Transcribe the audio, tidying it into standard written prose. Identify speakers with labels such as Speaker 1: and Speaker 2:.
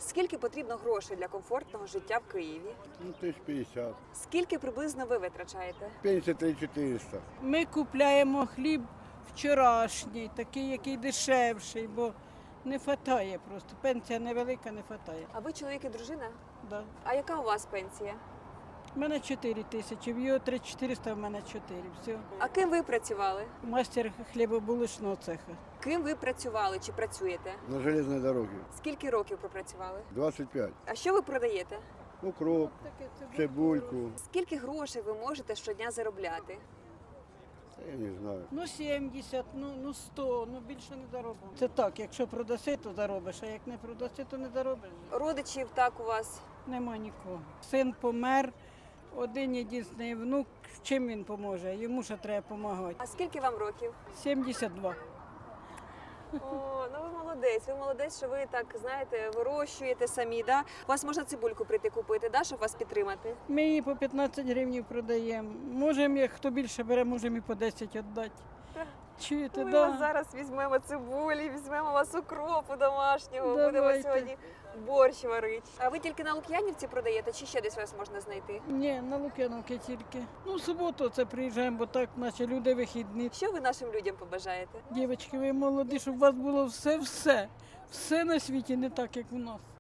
Speaker 1: Скільки потрібно грошей для комфортного життя в Києві?
Speaker 2: Ну, 1050.
Speaker 1: Скільки приблизно ви витрачаєте?
Speaker 2: Пенсія 3400.
Speaker 3: Ми купляємо хліб вчорашній, такий, який дешевший, бо не вистачає просто. Пенсія невелика, не вистачає.
Speaker 1: А ви чоловік і дружина?
Speaker 3: Да.
Speaker 1: А яка у вас пенсія?
Speaker 3: У мене 4 тисячі, в його 3400, в мене 4. Все.
Speaker 1: А ким ви працювали?
Speaker 3: Мастер хлібобулочного цеха.
Speaker 1: Ким ви працювали чи працюєте?
Speaker 2: На железній дорогі.
Speaker 1: Скільки років пропрацювали?
Speaker 2: 25.
Speaker 1: А що ви продаєте?
Speaker 2: Укроп, цибульку.
Speaker 1: Скільки грошей ви можете щодня заробляти?
Speaker 2: Я не знаю.
Speaker 3: Ну 70, ну 100, ну більше не заробимо. Це так, якщо продаси, то заробиш, а як не продаси, то не заробиш.
Speaker 1: Родичів так у вас?
Speaker 3: Нема нікого. Син помер, один єдиний внук, чим він поможе? Йому ще треба допомагати.
Speaker 1: А скільки вам років?
Speaker 3: 72.
Speaker 1: О, ну ви молодець, що ви так, знаєте, вирощуєте самі, да? У вас можна цибульку прийти купити, да, щоб вас підтримати?
Speaker 3: Ми її по 15 гривень продаємо. Можемо, як хто більше бере, можемо і по 10 віддати.
Speaker 1: Так.
Speaker 3: Чуєте,
Speaker 1: Ми
Speaker 3: да?
Speaker 1: вас зараз візьмемо цибулі, візьмемо вас укропу домашнього, будемо
Speaker 3: Давайте.
Speaker 1: сьогодні борщ варити. А ви тільки на Лук'янівці продаєте, чи ще десь вас можна знайти?
Speaker 3: Ні, на Лук'яновки тільки. Ну, в суботу це приїжджаємо, бо так, наче люди вихідні.
Speaker 1: Що ви нашим людям побажаєте?
Speaker 3: Дівчатки, ви молоді, щоб у вас було все. Все на світі не так, як у нас.